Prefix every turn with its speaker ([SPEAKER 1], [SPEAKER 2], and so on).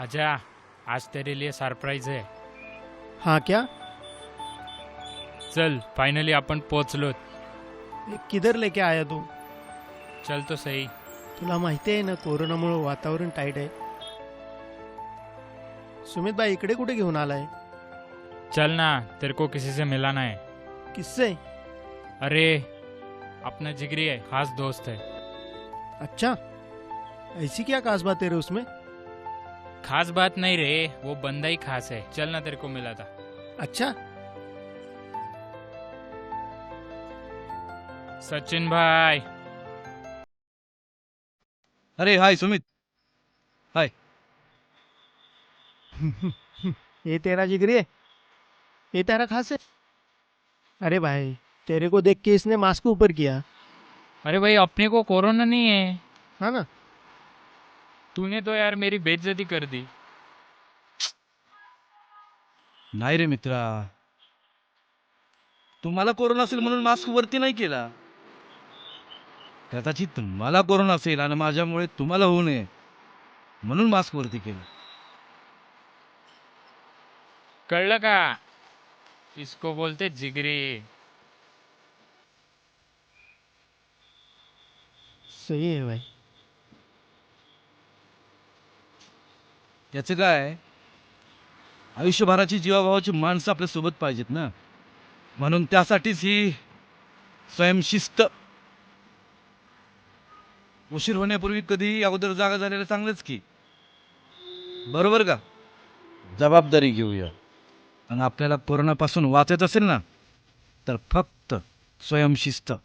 [SPEAKER 1] आजा, आज तेरे लिए सरप्राईज है.
[SPEAKER 2] हाँ क्या?
[SPEAKER 1] चल, फायनली आपण पोचलोत.
[SPEAKER 2] ये किधर लेके आया तू?
[SPEAKER 1] चल तो सही.
[SPEAKER 2] तुला माहिती आहे ना कोरोनामुळे वातावरण टाईट आहे. सुमित भाई इकडे कुठे घेऊन आलाय?
[SPEAKER 1] चल ना, तेरे को किसी से मिलाना है.
[SPEAKER 2] किससे?
[SPEAKER 1] अरे, अपना जिगरी है, खास दोस्त है.
[SPEAKER 2] अच्छा, ऐसी क्या खास बात है रे उसमें?
[SPEAKER 1] खास बात नहीं रे, वो बंदा ही खास है. चल ना, तेरे को मिला था.
[SPEAKER 2] अच्छा,
[SPEAKER 1] सचिन भाई.
[SPEAKER 3] अरे हाय सुमित. हाय.
[SPEAKER 2] ये तेरा जिगरी है? ये तेरा खास है? अरे भाई, तेरे को देख के इसने मास्क ऊपर किया.
[SPEAKER 1] अरे भाई, अपने को कोरोना नहीं है.
[SPEAKER 2] हाँ ना?
[SPEAKER 1] तूने तो यार मेरी बेइज्जती कर दी.
[SPEAKER 3] नाही रे मित्रा, तुम्हाला कोरोना असेल म्हणून मास्क वरती नाही केला. कदाचित मला कोरोना असेल आणि माझ्यामुळे तुम्हाला होऊ नये म्हणून मास्क वरती केलं.
[SPEAKER 1] कळलं का? इसको बोलते जिगरी.
[SPEAKER 2] सही है भाई.
[SPEAKER 3] याचं काय, आयुष्यभराची जीवाभावाची माणसं आपल्या सोबत पाहिजेत ना, म्हणून त्यासाठीच ही स्वयंशिस्त. उशीर होण्यापूर्वी कधी अगोदर जागा झालेलं चांगलंच की, बरोबर का? जबाबदारी घेऊया. आणि आपल्याला कोरोनापासून वाचायचं असेल ना, तर फक्त स्वयंशिस्त.